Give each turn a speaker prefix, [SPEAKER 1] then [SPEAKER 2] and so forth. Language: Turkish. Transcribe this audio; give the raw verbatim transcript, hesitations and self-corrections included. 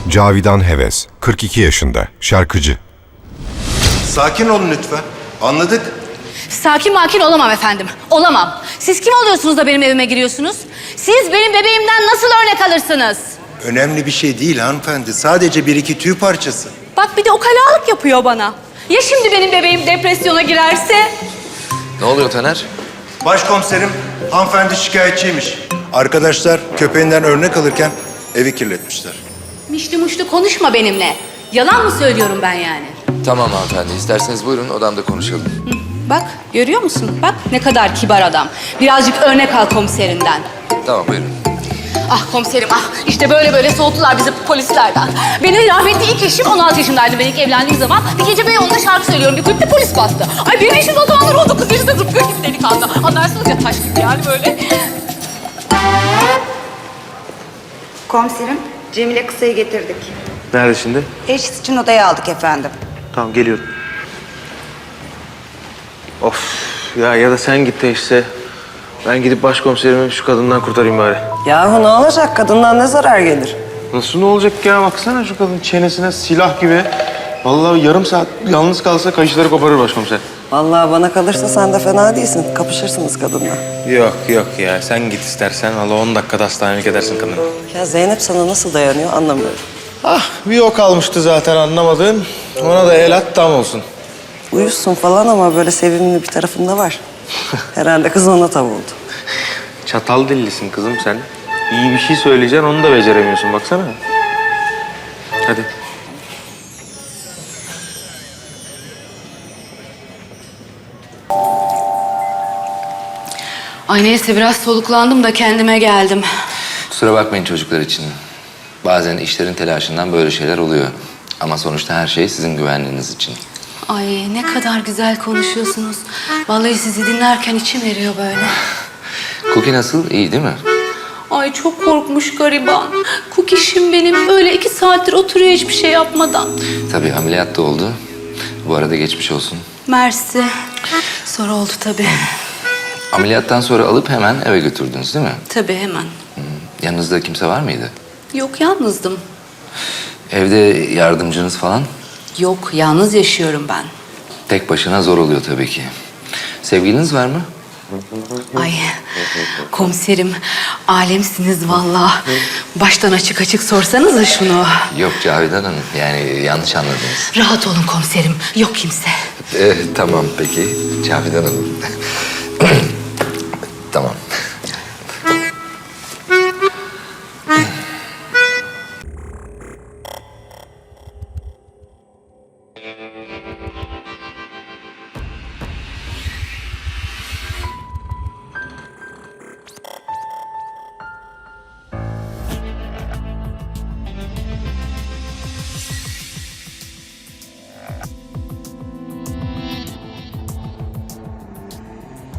[SPEAKER 1] Cavidan Heves, kırk iki yaşında, şarkıcı.
[SPEAKER 2] Sakin olun lütfen. Anladık.
[SPEAKER 3] Sakin makin olamam efendim. Olamam. Siz kim oluyorsunuz da benim evime giriyorsunuz? Siz benim bebeğimden nasıl örnek alırsınız?
[SPEAKER 2] Önemli bir şey değil hanımefendi. Sadece bir iki tüy parçası.
[SPEAKER 3] Bak bir de ukalalık yapıyor bana. Ya şimdi benim bebeğim depresyona girerse?
[SPEAKER 4] Ne oluyor Taner?
[SPEAKER 2] Başkomiserim, hanımefendi şikayetçiymiş. Arkadaşlar köpeğinden örnek alırken evi kirletmişler.
[SPEAKER 3] Mişli muşlu konuşma benimle. Yalan mı söylüyorum ben yani?
[SPEAKER 4] Tamam hanımefendi, isterseniz buyurun odamda konuşalım.
[SPEAKER 3] Bak görüyor musun? Bak ne kadar kibar adam. Birazcık örnek al komiserinden.
[SPEAKER 4] Tamam buyurun.
[SPEAKER 3] Ah komiserim ah işte böyle böyle soğuttular bizi polislerden. Benim rahmetli ilk eşim on altı yaşındaydı ben ilk evlendiğim zaman. Bir gece Beyoğlu'nda şarkı söylüyorum bir kulüpte polis bastı. Ay benim eşim o zamanlar on dokuz yaşında zıplıyor gibi delikanlı. Anlarsınız ya taş gibi yani böyle.
[SPEAKER 5] Komiserim, Cemile Kısa'yı getirdik.
[SPEAKER 6] Nerede şimdi?
[SPEAKER 5] Teşhis için odaya aldık efendim.
[SPEAKER 6] Tamam geliyorum. Of ya ya da sen git de işte. Ben gidip başkomiserimi şu kadından kurtarayım bari.
[SPEAKER 7] Yahu ne olacak? Kadından ne zarar gelir?
[SPEAKER 6] Nasıl ne olacak ya? Baksana şu kadın çenesine silah gibi. Vallahi yarım saat yalnız kalsa kayışları koparır başkomiser.
[SPEAKER 7] Vallahi bana kalırsa sen de fena değilsin. Kapışırsınız kadınla.
[SPEAKER 6] Yok yok ya sen git istersen. Vallahi on dakikada hastanelik edersin kadını.
[SPEAKER 7] Ya Zeynep sana nasıl dayanıyor anlamıyorum.
[SPEAKER 6] Ah bir o kalmıştı zaten anlamadığın. Ona da el at tam olsun.
[SPEAKER 7] Uyuşsun falan ama böyle sevimli bir tarafında var. Herhalde kız ona tav oldu.
[SPEAKER 6] Çatal dillisin kızım sen. İyi bir şey söyleyeceksin onu da beceremiyorsun baksana. Hadi.
[SPEAKER 3] Ay neyse biraz soluklandım da kendime geldim.
[SPEAKER 4] Kusura bakmayın çocuklar için. Bazen işlerin telaşından böyle şeyler oluyor. Ama sonuçta her şey sizin güvenliğiniz için.
[SPEAKER 3] Ay ne kadar güzel konuşuyorsunuz. Vallahi sizi dinlerken içim eriyor böyle.
[SPEAKER 4] Cookie nasıl? İyi değil mi?
[SPEAKER 3] Ay çok korkmuş gariban. Kukişim benim böyle iki saattir oturuyor hiçbir şey yapmadan.
[SPEAKER 4] Tabii ameliyat da oldu. Bu arada geçmiş olsun.
[SPEAKER 3] Mersi. Sonra oldu tabii.
[SPEAKER 4] Ameliyattan sonra alıp hemen eve götürdünüz değil mi?
[SPEAKER 3] Tabii hemen.
[SPEAKER 4] Yanınızda kimse var mıydı?
[SPEAKER 3] Yok yalnızdım.
[SPEAKER 4] Evde yardımcınız falan?
[SPEAKER 3] Yok yalnız yaşıyorum ben.
[SPEAKER 4] Tek başına zor oluyor tabii ki. Sevgiliniz var mı?
[SPEAKER 3] Ay komiserim alemsiniz vallahi. Baştan açık açık sorsanıza şunu.
[SPEAKER 4] Yok Cavidan Hanım. Yani yanlış anladınız.
[SPEAKER 3] Rahat olun komiserim. Yok kimse.
[SPEAKER 4] Ee, tamam peki Cavidan Hanım. Tamam.